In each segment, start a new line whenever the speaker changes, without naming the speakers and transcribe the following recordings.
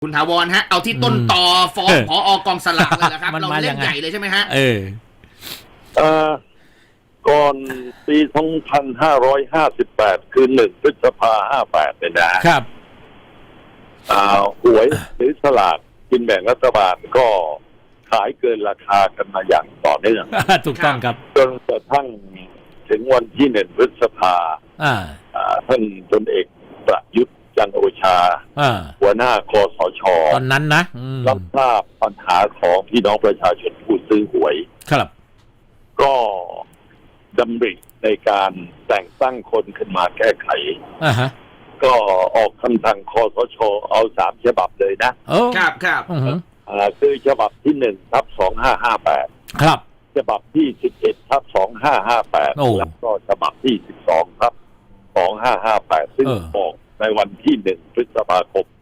คุณถาวรฮะเอาที่ต้นตอฟ้องผอกองสลากเลยนะครับเราเล่นใหญ่เลยใช่ไหมฮะ
ก่อนปี2558คือ1 พฤษภา58เนี่ยนะครับหวยหรือสลากกินแบ่งรัฐบาลก็ขายเกินราคากันมาอย่างต่อเนื่อง
ถูกต้องครับ
จนกระทั่งถึงวันที่1 พฤษภาท่านพลเอกประยุทธ์จันทร์โอชาหัวหน้าคสช.
ตอนนั้นนะ
รับทราบปัญหาของพี่น้องประชาชนผู้ซื้อหวย
ครับ
ก็ดำริในการแต่งตั้งคนขึ้นมาแก้ไขก็ออกคำสั่งคสช.เอา3 ฉบับเลยนะครับคือฉบับที่1/2558
ครับ
ฉบับที่11/2558แล้วก็ฉบับที่12/2558ซึ่งออกในวันที่1 พฤษภาคม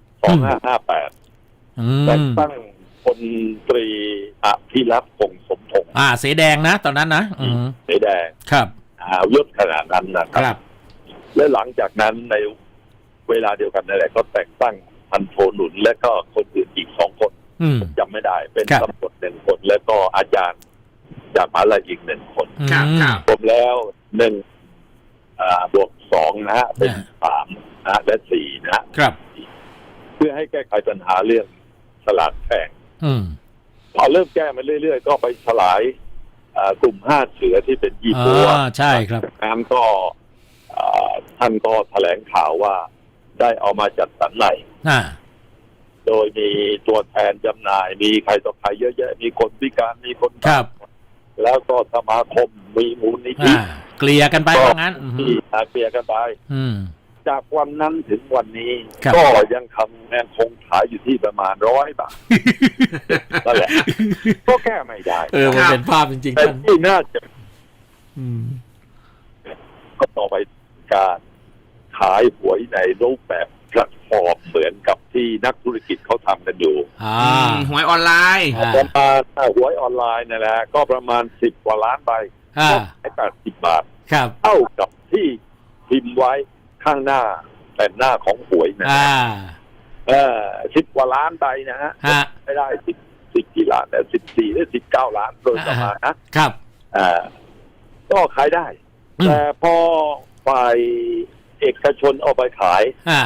2558แต่งตั้งพลตรีอภิรักษ์ คงสมพงษ์
เสแดงนะตอนนั้นนะ
เสแดง
ครับ
ยศขนาดนั้นนะครับและหลังจากนั้นในเวลาเดียวกันนั่นแหละก็แต่งตั้งพันโทหนุนและก็คนอื่นอีก2 คนจำไม่ได้เป็นตำรวจ1 คนและก็อาจารย์จากมหาวิทยาลัยอีก1 คนรวมแล้ว1บวก2นะฮะเป็น3นะและ4นะครับเพื่อให้แก้ไขปัญหาเรื่องสลากแพงพอเริ่มแก้มาเรื่อยๆก็ไปสลายกลุ่ม5 เสือที่เป็นยี่ปัว
ใช่ครับ
นั้นก็ท่านก็แถลงข่าวว่าได้เอามาจัดสรรใหม่โดยมีตัวแทนจำหน่ายมีใครต่อใครเยอะแยะมีคนพิการมีคน
ครับ
แล้วก็สมาคมมีมูลนิธิ
เกลี่ยกันไปว่างั้น
เกลี่ยกันไปจากวันนั้นถึงวันนี้ก็ยังคงขายอยู่ที่ประมาณ100 บาทนั่นแหละก็แก้ไม่ได้
มันเป็นภาพจริงๆ
แต่ที่น่าจะก็ต่อไปการขายหวยในรูปแบบแพลตฟอร์มเหมือนกับที่นักธุรกิจเขาทำกันอยู่
หวยออนไลน์
ประมาณหวยออนไลน์นั่นแหละก็ประมาณ10 กว่าล้านใบก็ขาย80 บาทเท่ากับที่พิมพ์ไว้ข้างหน้าแต่หน้าของหวยนะ10 กว่าล้านใบนะฮะไม่ได้10 กี่ล้านแต่14 หรือ 19 ล้านโดยประมาณนะครับก็ขายได้แต่พอฝ่ายเอกชนเอาไปขาย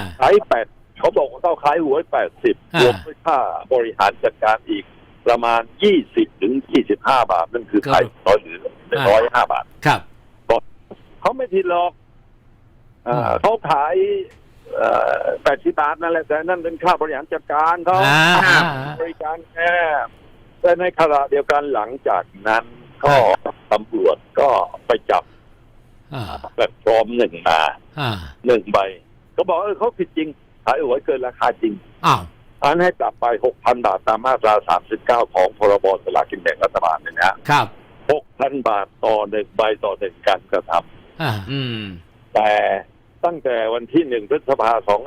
8เขาบอกว่าต้องขายหวย80รวมด้วยค่าบริหารจัดการอีกประมาณ20 ถึง 25 บาทนั่นคือขาย100 หรือ105 บาท
ครับ
เขาไม่ผิดหรอกเขาขาย80 บาทนั่นแหละแต่นั่นเป็นค่าบริหารจัดการเขาบริการแค่แต่ในขณะเดียวกันหลังจากนั้นก็ตำรวจก็ไปจับแพลตฟอร์ม1 มา1 ใบเขาบอกเขาผิดจริงขายหวยเกินราคาจริงอันให้ปรับไป 6,000 บาทตามมาตรา39ของพรบสลากกินแบ่งรัฐบาลเนี่ยนะครับ 6,000 บาทต่อ1 ใบต่อ1 การกระทำแต่ตั้งแต่วันที่1 พฤษภาคม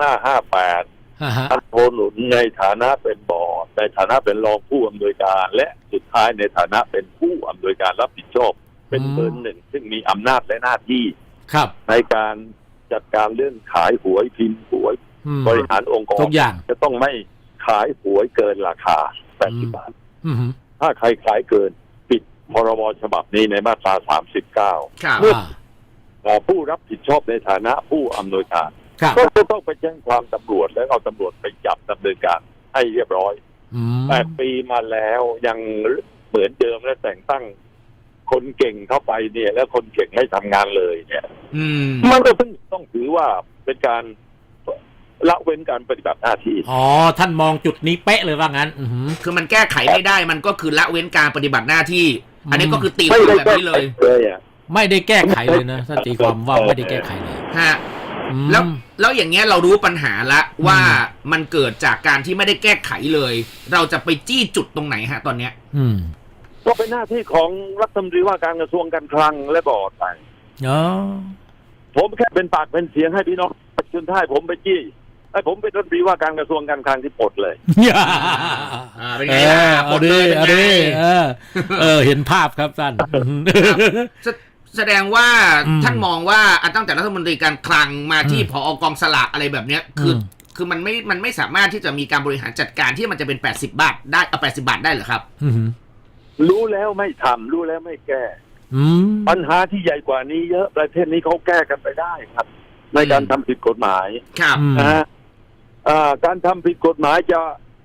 2558พันโทหนุนในฐานะเป็นบอร์ดในฐานะเป็นรองผู้อำนวยการและสุดท้ายในฐานะเป็นผู้อำนวยการรับผิดชอบเป็นเบอร์ 1ซึ่งมีอำนาจและหน้าที่ในการจัดการเรื่องขายหวยพิมพ์หวยบริหารองค์กรจะต้องไม่ขายหวยเกินราคา80 บาทถ้าใครขายเกินปิดพรบฉบับนี้ในมาตรา39เมื่อผู้รับผิดชอบในฐานะผู้อำนวยการก็จะต้องไปแจ้งความตำรวจแล้วเอาตำรวจไปจับดำเนินการให้เรียบร้อย8 ปีมาแล้วยังเหมือนเดิมและแต่งตั้งคนเก่งเข้าไปเนี่ยแล้วคนเก่งไม่ทำงานเลยเนี่ยมันก็ต้องถือว่าเป็นการละเว้นการปฏิบัติหน้าที่
ท่านมองจุดนี้เป๊ะเลยว่างั้น
คือมันแก้ไขไม่ได้มันก็คือละเว้นการปฏิบัติหน้าที่อันนี้ก็คือตีความแบบนี้เลย
ไม่ได้แก้ไขเลยนะท่านตีความว่าไม่ได้แก้ไขเลย
ฮะแล้วอย่างเงี้ยเรารู้ปัญหาละว่ามันเกิดจากการที่ไม่ได้แก้ไขเลยเราจะไปจี้จุดตรงไหนฮะตอนเนี้ย
ก็เป็นหน้าที่ของรัฐมนตรีว่าการกระทรวงการคลังและบอร์ดไปผมแค่เป็นปากเป็นเสียงให้พี่น้องประชาชนให้ผมไปจี้ให้ผมเป็นรัฐมนตรีว่าการกระทรวงการคลังที่ปลดเลย
เป็นไงล่ะ
ปลดเลยเห็นภาพครับท่าน
แสดงว่าท่านมองว่าตั้งแต่รัฐมนตรีการคลังมาที่ผอกองสลากอะไรแบบเนี้ยคือคือมันไม่สามารถที่จะมีการบริหารจัดการที่มันจะเป็น80 บาทได้เอา80 บาทได้เหรอครับ
รู้แล้วไม่ทำรู้แล้วไม่แก้
ม
ปัญหาที่ใหญ่กว่านี้เยอะประเทศนี้เขาแก้กันไปได้ครับ ในการทำผิดกฎหมาย
ครับ
นะฮะการทำผิดกฎหมายจะ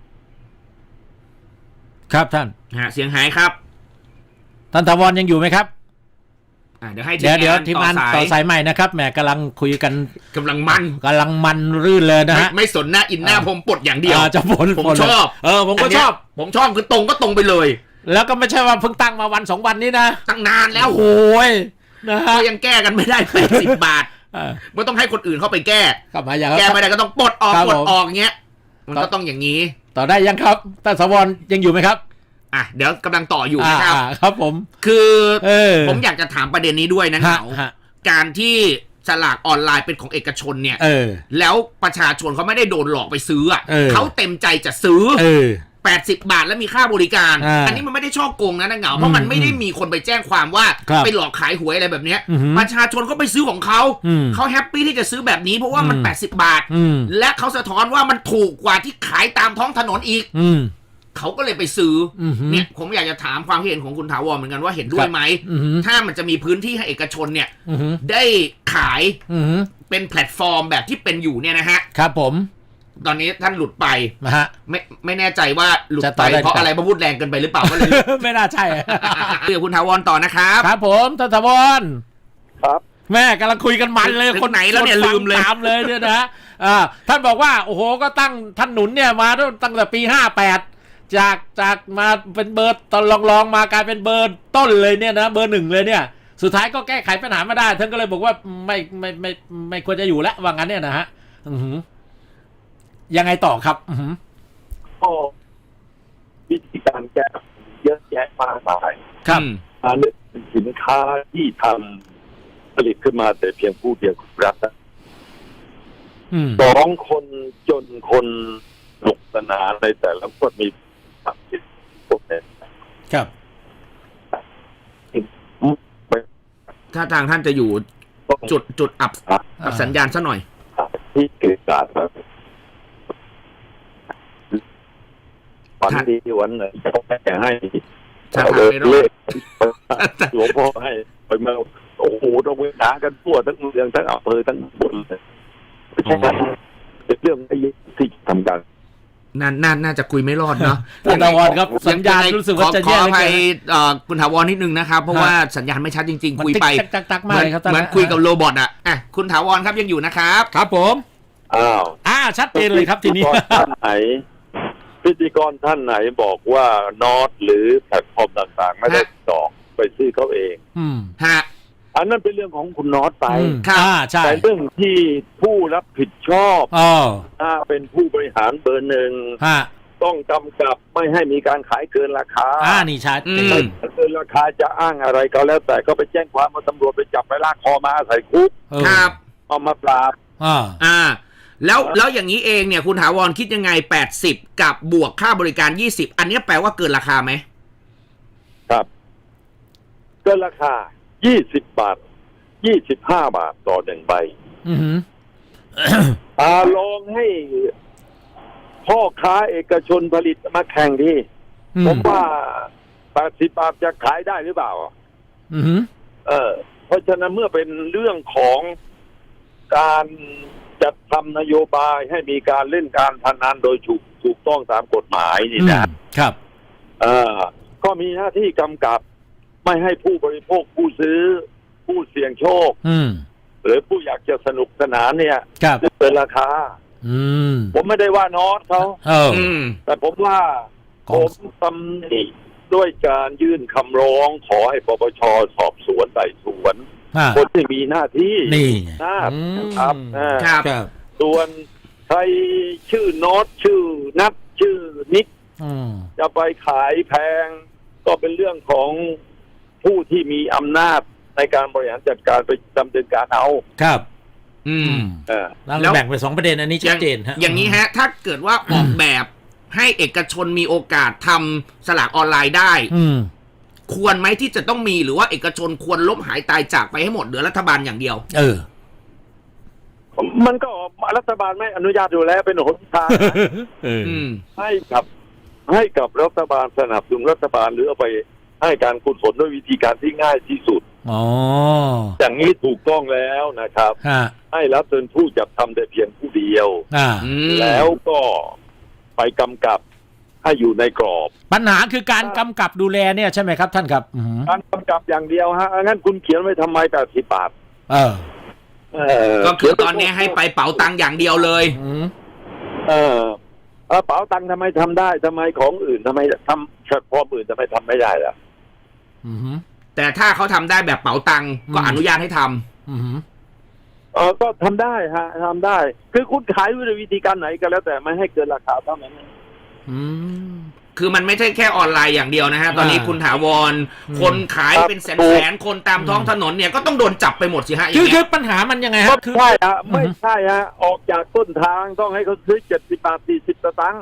ครับท่าน
เสียงหายครับ
ท่านถาวรยังอยู่ไหมครับ
เดี๋ยวให้
เดี๋ยวทีมงานต่อสายใหม่นะครับแหมกำลังคุยกัน
กำลังมัน
รื่นเลยนะฮะ
ไม่สนหน้าอินหน้าผมปลดอย่างเดียว
จะผล
ผมชอบ
ผมก็ชอบ
ผมชอบคือตรงก็ตรงไปเลย
แล้วก็ไม่ใช่ว่าเพิ่งตั้งมาวัน2 วันนี้นะ
ตั้งนานแล้ว
โอ้ยนะฮะ
ก็ยังแก้กันไม่ได้80 บาทไม่ต้องให้คนอื่นเข้าไปแก้
กลับมาอย่าง
แก้ไม่ได้ก็ต้องปลดออก
ครับ
ปลดออกเงี้ยมันก็ต้องอย่างนี้
ต่อได้ยังครับท่านถาวรยังอยู่ไหมครับ
เดี๋ยวกำลังต่ออยู่นะครับ
ครับผม
คือผมอยากจะถามประเด็นนี้ด้วยนะเหงา
ฮะ
การที่สลากออนไลน์เป็นของเอกชนเนี่ย แล้วประชาชนเขาไม่ได้โดนหลอกไปซื้อเขาเต็มใจจะซื้อ80 บาทแล้วมีค่าบริการ อันนี้มันไม่ได้ช่อโกงนะเหงาเพราะมันไม่ได้มีคนไปแจ้งความว่าไปหลอกขายหวยอะไรแบบเนี้ยประชาชนก็ไปซื้อของเขาเขาแฮปปี้ที่จะซื้อแบบนี้เพราะว่ามัน80 บาทและเขาสะท้อนว่ามันถูกกว่าที่ขายตามท้องถนนอีกเขาก็เลยไปซื้อเนี่ยผมอยากจะถามความเห็นของคุณถาวรเหมือนกันว่าเห็นด้วยไหมถ้ามันจะมีพื้นที่ให้เอกชนเนี่ยได้ขายเป็นแพลตฟอร์มแบบที่เป็นอยู่เนี่ยนะฮะ
ครับผม
ตอนนี้ท่านหลุดไป
นะฮะ
ไม่แน่ใจว่าหลุดไปเพราะอะไรมาพูดแรงเกินไปหรือเปล่าก็เลย
ไม่น่าใช่
เดี๋ยวคุณถาวรต่อนะครับ
ครับผมท่านถาวร
ครับ
แม่กำลังคุยกันมันเลย
คนไหนแล้วเนี่ยลืมเลย
ตามเลยเนี่ยนะท่านบอกว่าโอ้โหก็ตั้งท่านหนุนเนี่ยมาตั้งแต่ปี58จากมาเป็นเบอร์ตอนลองมากลายเป็นเบอร์ต้นเลยเนี่ยนะเบอร์ 1เลยเนี่ยสุดท้ายก็แก้ไขปัญหาไม่ได้ท่านก็เลยบอกว่าไม่ควรจะอยู่แล้วว่างั้นเนี่ยนะฮะยังไงต่อครับ
ก็วิธีการแก้เยอะแยะมากมาย
ครับ
อันนี้สินค้าที่ทำผลิตขึ้นมาแต่เพียงผู้เดียวรัฐ2 คนจนคนสนุกสนานในแต่ละคนมีความคิดพวกนี้
ครับ
ถ้าทางท่านจะอยู่จุดอับสัญญาณซะหน่อย
ที่เกิดการวันดีวันไหนเขาแค่ให้เลขหลวงพ่อให้ไปมาโอ้โหต้องเวลากันทั่วทั้งเมืองทั้งอำเภอทั้งบนเลยไม่ใช่เป็นเรื่องที่ทำกัน
น่าจะคุยไม่รอดเนาะ
คุณถาวรครับสัญญาณรู้สึกว่าจะแย่
ขออภัยคุณถาวรนิดนึงนะครับเพราะว่าสัญญาณไม่ชัดจริงๆคุยไป
ตักมากเลยครับ
เหมือนคุยกับโรบอทคุณถาวรครับยังอยู่นะครับ
ครับผมชัดเจนเลยครับทีนี้
ท่านไหนพิธีกรท่านไหนบอกว่านอตหรือแพลตฟอร์มต่างๆไม่ได้จองไปซื้อเขาเองอันนั้นเป็นเรื่องของคุณนอตไปแต่เรื่องที่ผู้รับผิดชอบเป็นผู้บริหารเบอร์ 1ต้องกำกับไม่ให้มีการขายเกินราคา
นี่ชัด
เกินราคาจะอ้างอะไรก็แล้วแต่ก็ไปแจ้งความมาตำรวจไปจับไปลากคอมาใส่คุก
ครับ
เอามาปราบ
แล้วอย่างนี้เองเนี่ยคุณถาวรคิดยังไง80กับบวกค่าบริการ20อันนี้แปลว่าเกินราคาไหม
ครับเกินราคา20 บาท25 บาทต่อ1ใบลองให้พ่อค้าเอกชนผลิตมาแข่งดีผมว่า80 บาทจะขายได้หรือเปล่าเพราะฉะนั้นเมื่อเป็นเรื่องของการจัดทำนโยบายให้มีการเล่นการพนันโดยถูกต้องตามกฎหมายนี่
นะครับ
ก็มีหน้าที่กำกับไม่ให้ผู้บริโภคผู้ซื้อผู้เสี่ยงโชคหรือผู้อยากจะสนุกสนานเนี่ยเกินราคาผมไม่ได้ว่านอตเขาแต่ผมว่าผมตำหนิด้วยการยื่นคำร้องขอให้ปปช.สอบสวนไต่สวนคนที่มีหน้าที่
นะครับ
ส่วนใครชื่อนอตชื่อนัทชื่อนิกจะไปขายแพงก็เป็นเรื่องของผู้ที่มีอำนาจในการบริหารจัดการไปดำเนินการเอา
ครับแล้วแบ่งเป็น2ประเด็นอันนี้ชัดเจนฮะ
อย่างนี้ฮะถ้าเกิดว่าออกแบบให้เอกชนมีโอกาสทำสลากออนไลน์ได้ควรไหมที่จะต้องมีหรือว่าเอกชนควรล้มหายตายจากไปให้หมดเหลือรัฐบาลอย่างเดียว
มันก็รัฐบาลไม่อนุญาตอยู่แล้วเป็นหนทางให้กับรัฐบาลสนับสนุนรัฐบาลหรือเอาไปให้การกุศลด้วยวิธีการที่ง่ายที่สุดอย่างนี้ถูกต้องแล้วนะครับให้รับเป็นผู้จัดทำแต่เพียงผู้เดียวแล้วก็ไปกำกับให้อยู่ในกรอบ
ปัญหาคือการกำกับดูแลเนี่ยใช่ไหมครับท่านครับ
การกำกับอย่างเดียวฮะงั้นคุณเขียนไว้ทำไม80 บาท
ก็คือตอนนี้ให้ไปเป๋าตังค์อย่างเดียวเลย
เป๋าตังค์ทำไมทำได้ทำไมของอื่นทำไมทำเฉพาะอื่นทำไมทำไม่ได้ล่ะ
แต่ถ้าเขาทำได้แบบเป๋าตังค์ก็อนุญาตให้ทำ
ก็ทำได้ฮะทำได้คือคุณขายด้วยวิธีการไหนก็แล้วแต่ไม่ให้เกินราคาเท่านั้น
คือมันไม่ใช่แค่ออนไลน์อย่างเดียวนะฮะตอนนี้คุณถาวรคนขายเป็นแสนคนตามท้องถนนเนี่ยก็ต้องโดนจับไปหมดสิฮะ
คือปัญหามันยังไงฮะ
ใช่ฮะไม่ใช่ฮะออกจากต้นทางต้องให้เขาซื้อ70 บาท40 สตางค์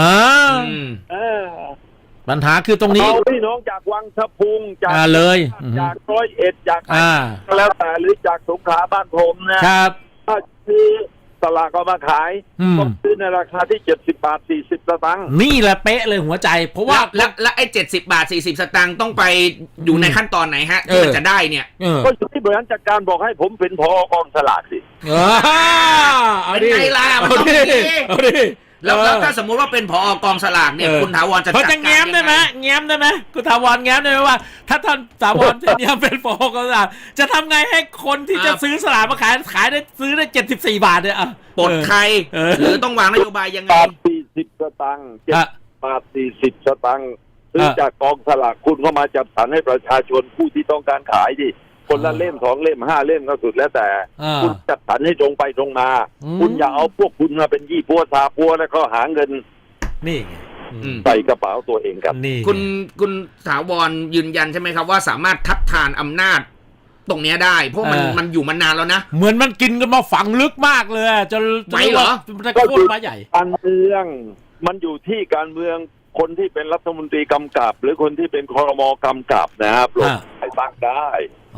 ปัญหาคือตรงนี้
พี่น้องจากวังสะพุงจาก
เลย
จาก101จากแล้วแต่หรือจากสงขลาบ้านผมนะครับถ้าซื้อตลาดก็มาขายต้องซื้อในราคาที่70 บาท40 สตางค์
นี่แหละเป๊ะเลยหัวใจเพราะว่า
และไอ้70 บาท40 สตางค์ต้องไปอยู่ในขั้นตอนไหนฮะที่มันจะได้เนี่ย
ก็อยู่ที่บริหารจัดการบอกให้ผมเป็นผอกองสลากสิ
เป็นไงล่ะมันต้องมีแล้วถ้าสมมุติว่าเป็นผอกองสลากเนี่ยคุณถาวรจะ
จัดการแง้มได้ไหมแง้มได้ไหมคุณถาวรแง้มได้ไหมว่าถ้าท่านถาวรเนี่ยเป็นผอกองสลากจะทำไงให้คนที่จะซื้อสลากมาขายได้ซื้อได้74 บาทเนี่ย
ปลดใครหรือต้องวางนโยบายยังไง
40 สตางค์7 บาท40 สตางค์ซื้อจากกองสลากคุณเข้ามาจัดสรรให้ประชาชนผู้ที่ต้องการขายดิคนละเล่ม2 เล่ม5 เล่มก็สุดแล้วแต่คุณจัดสรรให้ตรงไปตรงมาคุณอย่าเอาพวกคุณมาเป็นยี่ปัวซาปัวแล้วก็หาเงิน
นี่
ใส่กระเป๋าตัวเองครับ
คุณถาวรยืนยันใช่ไหมครับว่าสามารถทัดทานอำนาจตรงนี้ได้เพราะมันอยู่มานานแล้วนะ
เหมือนมันกินกันมาฝังลึกมากเลยจน
ไม่เหรอ
ก็โคตรมาใหญ่
การเมืองมันอยู่ที่การเมืองคนที่เป็นรัฐมนตรีกำกับหรือคนที่เป็นครม.กำกับนะครับลงไปตั้งได้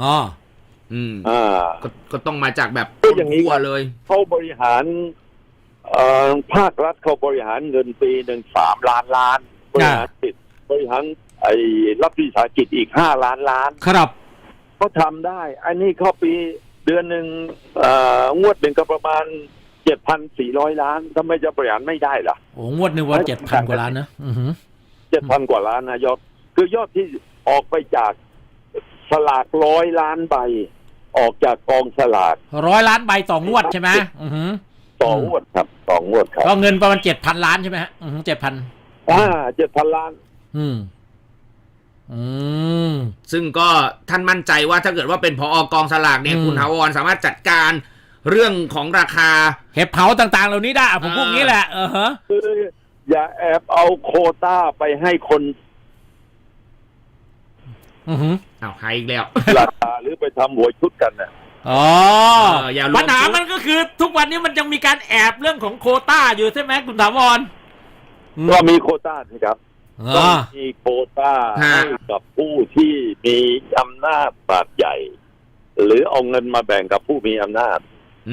ก็ต้องมาจากแบบ
อย่างนี้
เลย
เขาบริหารภาครัฐเขาบริหารเงินปีหนึ่ง3 ล้านบริหารติดบริหารรัฐวิสาหกิจอีก5 ล้าน
ครับ
ก็ทำได้อันนี้เขาปีเดือนหนึ่งงวดหนึ่งก็ประมาณ 7,400 ล้านทำไมจะบริหารไม่ได้ล่ะ
โอ้งวดหนึ่งว่า 7,000 กว่าล้านนะ
7,000 กว่าล้านนะยอดคือยอดที่ออกไปจากสลาก100 ล้านใบออกจากกองสลาก
100 ล้านใบต่องวดใช่ไหม
ต่องวดครับต่องวดครับ
ก็เงินประมาณ 7,000 ล้านใช่ไหมฮะ7,000
7,000 ล้าน
ซึ่งก็ท่านมั่นใจว่าถ้าเกิดว่าเป็นผอกองสลากเนี่ยคุณถาวรสามารถจัดการเรื่องของราคา
เห็บเผาต่างๆเหล่านี้ได้ผมพูดงี้แหละ
คืออย่าแอบเอาโควต้าไปให้คน
เอาใครอีกแล้ว
ราคาหรือไปทำหัวชุดกันนะ
ปัญหามันก็คือทุกวันนี้มันยังมีการแอบเรื่องของโควต้าอยู่ใช่ไหมคุณถาวร
ก็มีโควต้าสิครับต้องมีโควต้าให้กับผู้ที่มีอำนาจบาดใหญ่หรือเอาเงินมาแบ่งกับผู้มีอำนาจ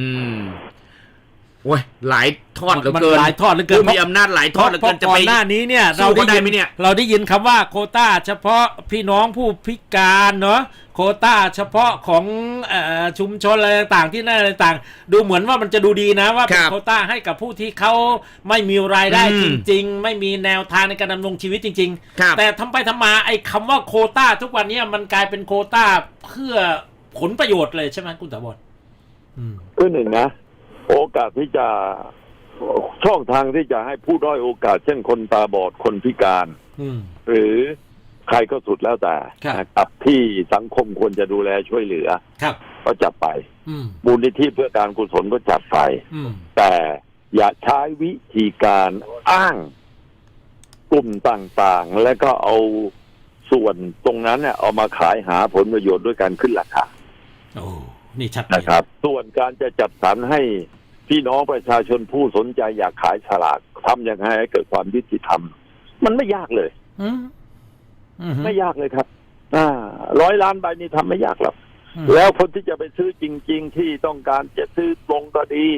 โอ้ยหลายทอดเหลือเกิน
หลายทอดเหลือเกิน
มีอำนาจหลายทอดเหลือเกินจะไป
หน้านี้เนี่ยเราได้ยินคำว่าโควต้าเฉพาะพี่น้องผู้พิการเนาะโควต้าเฉพาะของชุมชนอะไรต่างๆที่นั่นอะไรต่างดูเหมือนว่ามันจะดูดีนะว่าเป็นโควต้าให้กับผู้ที่เขาไม่มีรายได้จริงๆไม่มีแนวทางในการดำรงชีวิตจริงๆแต่ทำไปทำมาไอ้คำว่าโควต้าทุกวันนี้มันกลายเป็นโควต้าเพื่อผลประโยชน์เลยใช่ไหมคุณถาวร
คือหนึ่งนะโอกาสที่จะช่องทางที่จะให้ผู้ด้อยโอกาสเช่นคนตาบอดคนพิการหรือใครก็สุดแล้วแต่นะครับที่สังคมควรจะดูแลช่วยเหลือก็จัดไปมูลนิธิเพื่อการกุศลก็จัดไปแต่อย่าใช้วิธีการอ้างกลุ่มต่างๆและก็เอาส่วนตรงนั้นเนี่ยเอามาขายหาผลประโยชน์ด้วยการขึ้นราคา
นี่ชัด
นะครับส่วนการจะจัดสรรให้พี่น้องประชาชนผู้สนใจอยากขายฉลากทำยังไงให้เกิดความยุติธรรมมันไม่ยากเลยไม่ยากเลยครับ100 ล้านใบนี่ทำไม่ยากหรอกแล้วคนที่จะไปซื้อจริงๆที่ต้องการจะซื้อลงก็ดี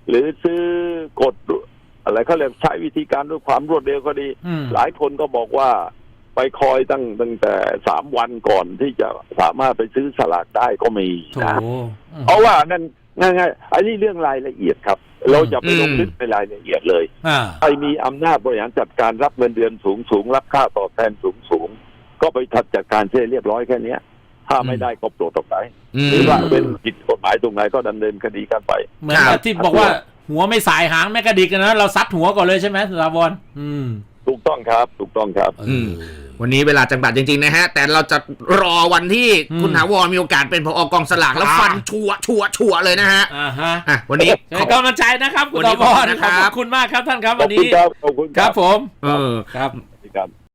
หรือซื้อกดอะไรเขาเรียกใช้วิธีการด้วยความรวดเร็วก็ดีหลายคนก็บอกว่าไปคอยตั้งแต่3 วันก่อนที่จะสามารถไปซื้อสลากได้ก็มีนะเพราะว่านั่นง่ายๆอันนี้เรื่องรายละเอียดครับเราจะไปลงลึกในรายละเอียดเลยใครมีอำนาจบริหารจัดการรับเงินเดือนสูงรับค่าตอบแทนสูงก็ไปจัดการเช่เรียบร้อยแค่นี้ถ้าไม่ได้ก็ปลดออกไปหรือว่าเป็นผิดกฎหมายตรงไหนก็ดำเนินคดีกันไป
เหมือนที่บอกว่าหัวไม่สายหางแม่กระดิกนะเราซัดหัวก่อนเลยใช่ไหมสุรพร
ถูกต้องครับถูกต้องครับ
วันนี้เวลาจำกัดจริงๆนะฮะแต่เราจะรอวันที่คุณถาวรมีโอกาสเป็นผอ.กองสลากแล้วฟันชัวเลยนะฮะวันนี้
ขอบกำลังใจนะครับคุณถาวรขอบคุณมากครับท่านครับวันนี้
ขอบคุณครับ
ครับผม
ครับ